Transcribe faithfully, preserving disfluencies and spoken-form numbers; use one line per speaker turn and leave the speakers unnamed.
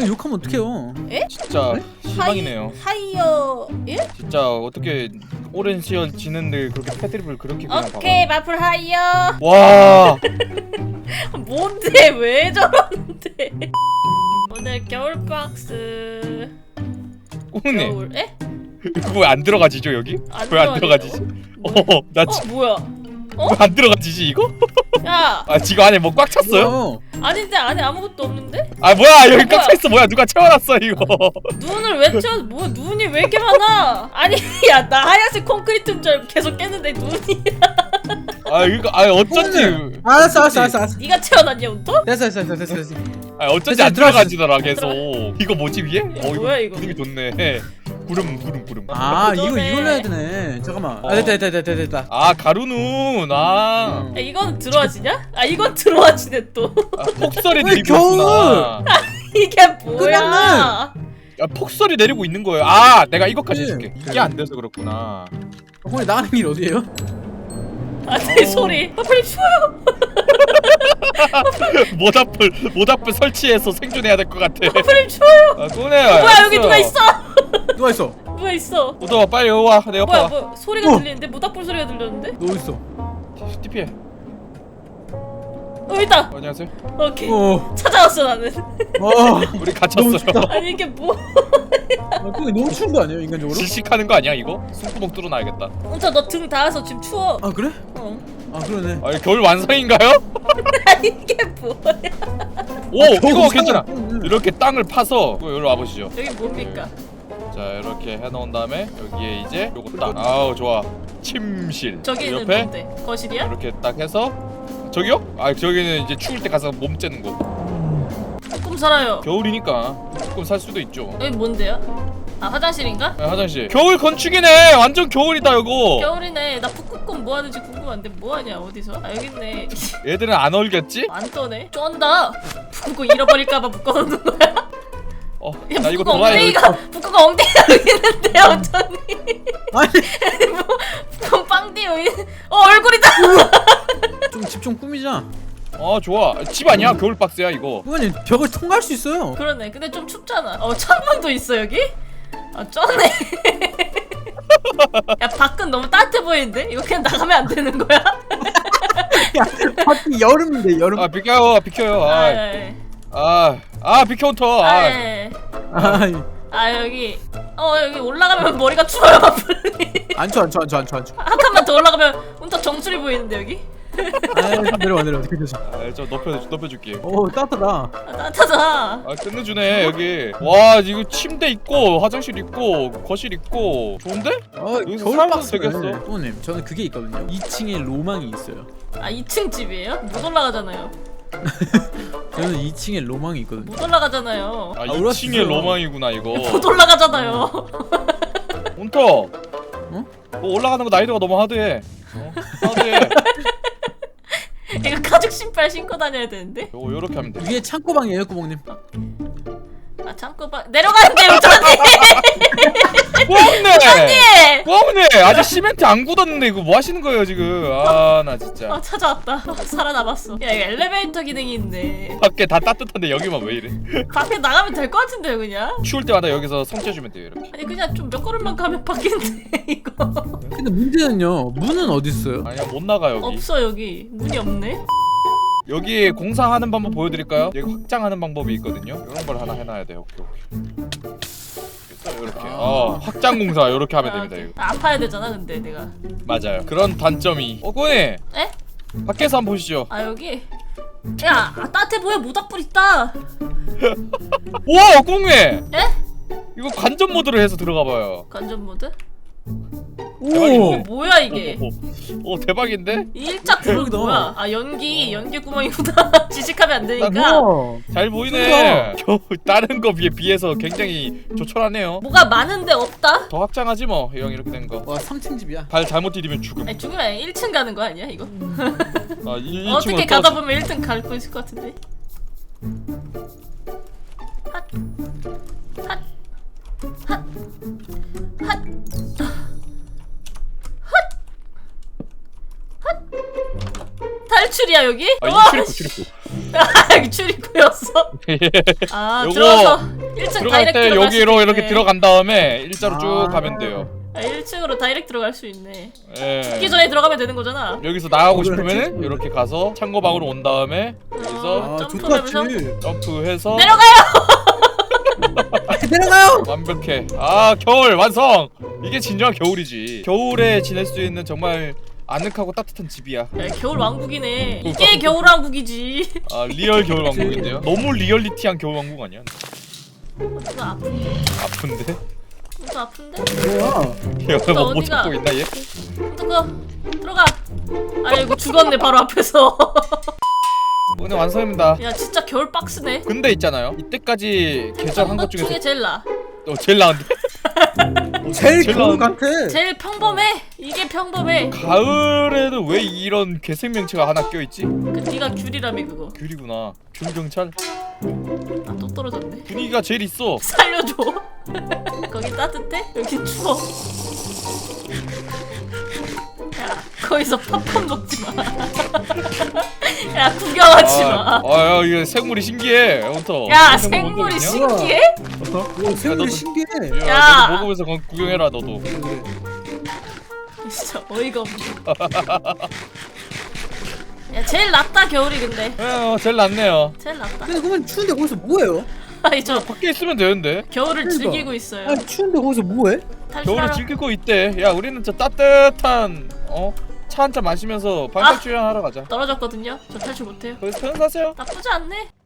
어, 욕하면 어떡해요?
에?
진짜 실망이네요.
하이, 하이어 예?
진짜 어떻게 오랜 시간 지는데 그렇게 패드립을 그렇게 그냥
오케이 마플 하이어.
와.
뭔데 왜 저러는데? 오늘 겨울 박스.
꾸네.
겨울 에?
그거 왜 안 들어가지죠 여기? 왜 안 들어가지지?
뭐,
어, 나
어
지,
뭐야? 어?
왜 안 들어가지지 이거?
야
아 지금 안에 뭐 꽉 찼어요?
뭐야?
아닌데 안에 아무것도 없는데?
아 뭐야 여기
뭐야?
꽉 차 있어 뭐야 누가 채워놨어 이거?
눈을 왜 채워? 뭐 눈이 왜 이렇게 많아? 아니 야 나 하얀색 콘크리트인 줄 알고 계속 깼는데 눈이.
아 이거 아 어쩐지
오늘. 알았어 알았어 알았어 알았어.
네가 채워놨냐 운터?
됐어 됐어 됐어 됐어 됐어.
아 어쩐지
됐어,
안
들어가시-
들어가지더라 계속. 이거 뭐지 위에? 어
뭐야, 이거?
분위기 좋네. 구름 구름 구름.
아 이거
그거네.
이걸로 해야 되네. 잠깐만.
어.
아 됐다 됐다 됐다 됐다.
아 가루눈 아.
야, 이건 들어와지냐? 아 이건 들어와지네 또.
아 폭설이
왜
내리고 있구나.
이게 뭐야?
끝났네.
아 폭설이 내리고 있는 거예요. 아 내가 이거까지
네.
해줄게. 이게 안 돼서 그렇구나.
오늘 나가는 길 어디예요?
아내 소리. 아 빨리 추워요.
모닥불 모닥불 설치해서 생존해야 될 것 같아.
아 빨리 추워요.
아 꺼내.
뭐야 여기 누가 있어?
누가 있어?
누가 있어?
우도아 빨리 와. 내 옆에
뭐야
와.
뭐 소리가
어.
들리는데 모닥불 소리가 들렸는데?
너 있어?
티피해.
어 있다.
어, 안녕하세요.
오케이
어.
찾아왔어 나는.
어.
우리
너무
갇혔어요.
춥다.
아니 이게 뭐?
아, 그게 너무 추운 거 아니에요 인간적으로?
질식하는 거 아니야 이거? 숨구멍 뚫어놔야겠다.
혼자 너 등 닿아서 지금 추워.
아 그래?
어.
아 그러네.
아 겨울 완성인가요?
아니 이게 뭐야?
오
아,
이거
겨울
괜찮아.
완성.
이렇게 땅을 파서 이거 여기로 와보시죠.
여기 뭡니까?
자 이렇게 해놓은 다음에 여기에 이제 요거 딱 아우 좋아 침실
저기는
옆에
뭔데? 거실이야?
이렇게 딱 해서 저기요? 아 저기는 이제 추울 때 가서 몸 째는 거.
조금 살아요.
겨울이니까 조금 살 수도 있죠.
여기 뭔데요? 아 화장실인가?
아, 화장실 겨울 건축이네. 완전 겨울이다 이거.
겨울이네. 나 북극곰 뭐 하는지 궁금한데 뭐 하냐 어디서? 아 여기 있네.
얘들은 안 얼겠지?
안 떠네. 쫀다. 북극곰 잃어버릴까봐 묶어놓는 거야?
어,
야
나 이거
북극곰
돌아야 돼.
엉덩이가 북극곰 엉덩이가 여기 있는데 어쩌니?
아니
뭐 북극곰 빵띠 여기. 어 얼굴이다.
좀 집 좀 꾸미자.
어 좋아. 집 아니야? 겨울 박스야 이거.
후보님 벽을 통과할 수 있어요.
그러네. 근데 좀 춥잖아. 어 창문도 있어 여기? 아 쩌네. 야 밖은 너무 따뜻해 보이는데? 이거 그냥 나가면 안 되는 거야?
야 밖이 여름인데 여름.
아 비켜요 비켜요.
아,
아,
예,
아, 아 비켜 헌터.
아,
아,
예.
아
아 여기 어 여기 올라가면 머리가 추워요.
안쳐 안쳐 안쳐 안쳐 안쳐.
한 칸만 더 올라가면 온통 정수리 보이는데 여기?
아 내려와 내려와 어떻게 되죠?
아, 좀 높여 높여줄게.
오 따뜻하다.
아, 따뜻하다.
아 끝내주네 여기. 와 이거 침대 있고 화장실 있고 거실 있고 좋은데?
어
여기서
겨울
살아도
박스네.
되겠어.
후보님 저는 그게 있거든요. 이 층에 로망이 있어요.
아 이 층 집이에요? 못 올라가잖아요.
저는 이 층에 로망이 있거든요.
못 올라가잖아요.
아
아,
이 층의
울었어.
로망이구나 이거.
못 올라가잖아요.
헌터.
어?
뭐 올라가는 거 난이도가 너무 하드해. 어? 하드해.
이거 가죽 신발 신고 다녀야 되는데?
요거 요렇게 하면 돼.
위에 창고방이에요 구멍님.
아 잠깐 봐 내려가는데 우천이.
꽝네. 꽝네. 아직 시멘트 안 굳었는데 이거 뭐 하시는 거예요 지금? 아 나 진짜.
아 찾아왔다. 살아남았어. 야 이거 엘리베이터 기능이 있네.
밖에 다 따뜻한데 여기만 왜 이래?
밖에 나가면 될 것 같은데요 그냥?
추울 때마다 여기서 성 쬐주면 돼요 이렇게.
아니 그냥 좀 몇 걸음만 가면 바뀌는데 이거.
근데 문제는요. 문은 어디 있어요?
아니야 못 나가 여기.
없어 여기 문이 없네.
여기 공사하는 방법 보여드릴까요? 여기 확장하는 방법이 있거든요. 이런 걸 하나 해놔야 돼요. 오케이 오케이. 됐어 이렇게. 어 확장 공사 이렇게 하면
아,
됩니다 이거.
아, 아파야 되잖아 근데 내가.
맞아요. 그런 단점이. 어 꼬니.
에?
밖에서 한번 보시죠.
아 여기. 야 아, 따뜻해 보여 모닥불 있다.
우와 꼬니.
에?
이거 관전 모드로 해서 들어가봐요.
관전 모드?
대박이네.
어, 뭐야 이게?
오, 오 대박인데?
이 일자 구멍
대박이다.
뭐야? 아 연기 연기 구멍이구나. 지식하면 안 되니까.
우와.
잘 보이네. 겨우 다른 거 비해 비해서 굉장히 조촐하네요.
뭐가 많은데 없다?
더 확장하지 뭐. 형 이렇게 된 거.
와 삼 층 집이야.
발 잘못 디디면 죽음.
아니 죽으면 아니라 일 층 가는 거 아니야 이거?
아, 이,
어떻게 가다 보면 일 등 갈 거 있을 것 같은데. 핫, 핫, 핫, 핫, 핫, 핫. 탈출이 출입구들이야 여기?
아
우와,
이게 출입구 출입구.
아, 여기 출입구였어. 아
요거
들어가서 일 층
들어갈
다이렉트
때
들어갈
여기로
수
이렇게
있네.
들어간 다음에 일자로 쭉
아.
가면 돼요.
아, 일 층으로 다이렉트 들어갈 수 있네.
예.
죽기 전에 들어가면 되는 거잖아.
여기서 나가고
어,
싶으면은
그렇지.
이렇게 가서 창고방으로 온 다음에 여기서
아
점프하면서
좋다.
점프해서
내려가요.
내려가요.
완벽해. 아 겨울 완성. 이게 진정한 겨울이지. 겨울에 지낼 수 있는 정말 아늑하고 따뜻한 집이야.
야, 겨울 왕국이네. 이게 겨울 왕국이지.
아 리얼 겨울 왕국인데요. 너무 리얼리티한 겨울 왕국 아니야?
누가 아픈데?
아픈데?
누가 아픈데?
뭐야?
여기
또
뭐
어디가?
찾고 있나 얘?
누가 들어가. 아이고 죽었네 바로 앞에서.
오늘 완성입니다.
야 진짜 겨울 박스네.
근데 있잖아요. 이때까지 개설한 것 중에서
중에 제일 나.
어, 제일 나은데?
제일
제일
겨울
나은데?
같아.
제일 평범해. 이게 평범해.
가을에는 왜 이런 괴생명체가 하나 껴있지?
그 네가 귤이라며 그거.
귤이구나. 귤경찰.
아 또 떨어졌네.
분위기가 제일 있어.
살려줘. 거기 따뜻해? 여기 추워. 야 거기서 팝콘 먹지 마. 야 구경하지 마.
아, 아, 야, 이거 생물이 신기해. 헌터.
야
생물 본
생물이
적 있냐?
신기해?
오 생물이
너도-
신기해.
야,
야.
너도 먹으면서 거- 구경해라 너도.
그래.
진짜 어이가 없네. 야 제일 낫다 겨울이 근데.
어, 제일 낫네요.
제일 낫다.
근데 그러면 추운데 거기서 뭐해요?
아니 저
밖에 있으면 되는데.
겨울을
그러니까.
즐기고 있어요.
아니 추운데 거기서 뭐해?
겨울을
탈출하러.
즐기고 있대. 야, 우리는 저 따뜻한 어? 차 한 잔 마시면서
아.
반짝주행 하러 가자.
떨어졌거든요. 저 탈출 못해요.
거기서 편사세요.
나쁘지 않네.